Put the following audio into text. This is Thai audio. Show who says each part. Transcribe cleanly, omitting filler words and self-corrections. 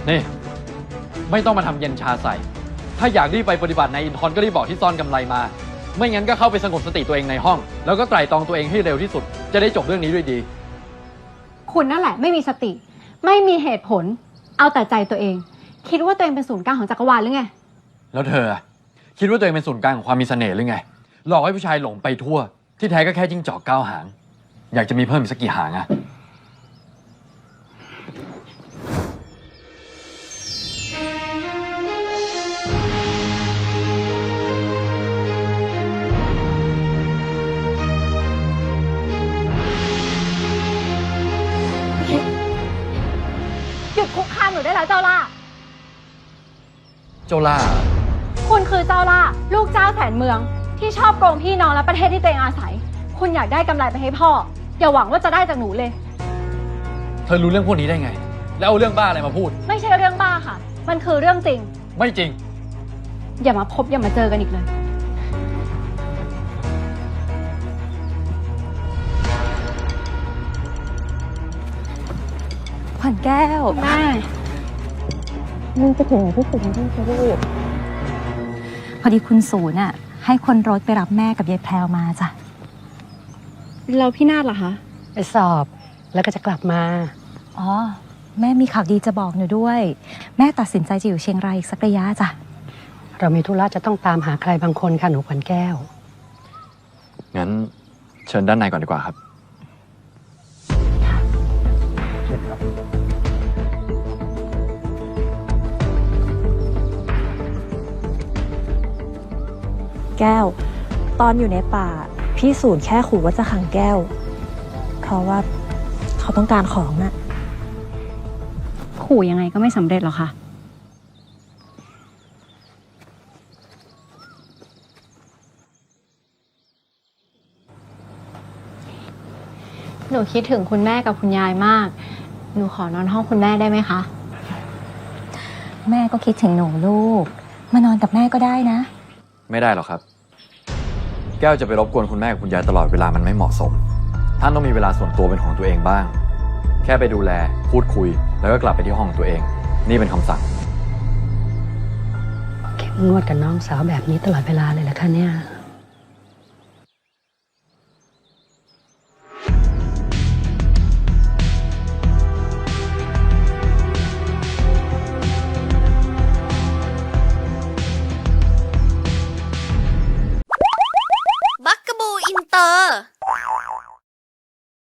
Speaker 1: นี่ไม่ต้องมาทำเย็นชาใส่ถ้าอยากรีบไปปฏิบัติในอินทร์ก็รีบบอกที่ซ่อนกำไรมาไม่งั้นก็เข้าไปสงบสติตัวเองในห้องแล้วก็ไตร่ตรองตัวเองให้เร็วที่สุดจะได้จบเรื่องนี้ด้วยดี
Speaker 2: คุณนั่นแหละไม่มีสติไม่มีเหตุผลเอาแต่ใจตัวเองคิดว่าตัวเองเป็นศูนย์กลางของจักรวาลหรือไง
Speaker 1: แล้วเธอคิดว่าตัวเองเป็นศูนย์กลางของความมีเสน่ห์หรือไงหลอกให้ผู้ชายหลงไปทั่วที่แท้ก็แค่จิ้งจอก9 หางอยากจะมีเพิ่มอีกสักกี่หางอะ
Speaker 2: หยุดคุกคามหนูได้แล้วเจ้าล่า
Speaker 1: เจ้าล่า
Speaker 2: คุณคือเจ้าล่าลูกเจ้าแสนเมืองที่ชอบโกงพี่น้องและประเทศที่ตัวเองอาศัยคุณอยากได้กำไรไปให้พ่ออย่าหวังว่าจะได้จากหนูเลย
Speaker 1: เธอรู้เรื่องพวกนี้ได้ไงแล้วเอาเรื่องบ้าอะไรมาพูด
Speaker 2: ไม่ใช่เรื่องบ้าค่ะมันคือเรื่องจริง
Speaker 1: ไม่จริง
Speaker 2: อย่ามาพบอย่ามาเจอกันอีกเลย
Speaker 3: ขวัญแก้ว
Speaker 2: แม่
Speaker 3: มึงจะถึงที่สุดที่จะรีบพอดีคุณศูนย์ให้คนรถไปรับแม่กับยายแพรวมาจ้ะ
Speaker 2: เราพี่นาฏเหรอคะ
Speaker 4: ไปสอบแล้วก็จะกลับมา
Speaker 3: อ๋อแม่มีข่าวดีจะบอกหนูด้วยแม่ตัดสินใจจะอยู่เชียงรายอีกสักระยะจ้ะ
Speaker 4: เรามีธุระจะต้องตามหาใครบางคนค่ะหนูขวัญแก้ว
Speaker 1: งั้นเชิญด้านในก่อนดีกว่าครับ
Speaker 3: แก้วตอนอยู่ในป่าพี่ศูนย์แค่ขู่ว่าจะขังแก้วเพราะว่าเขาต้องการของน่ะ
Speaker 2: ขู่ยังไงก็ไม่สำเร็จหรอกค่ะหนูคิดถึงคุณแม่กับคุณยายมากหนูขอนอนห้องคุณแม่ได้ไหมคะ
Speaker 3: แม่ก็คิดถึงหนูลูกมานอนกับแม่ก็ได้นะ
Speaker 1: ไม่ได้หรอกครับแก้วจะไปรบกวนคุณแม่กับคุณยายตลอดเวลามันไม่เหมาะสมท่านต้องมีเวลาส่วนตัวเป็นของตัวเองบ้างแค่ไปดูแลพูดคุยแล้วก็กลับไปที่ห้องของตัวเองนี่เป็นคำสั่ง
Speaker 4: เข้มงวดกับน้องสาวแบบนี้ตลอดเวลาเลยเหรอคะเนี่ย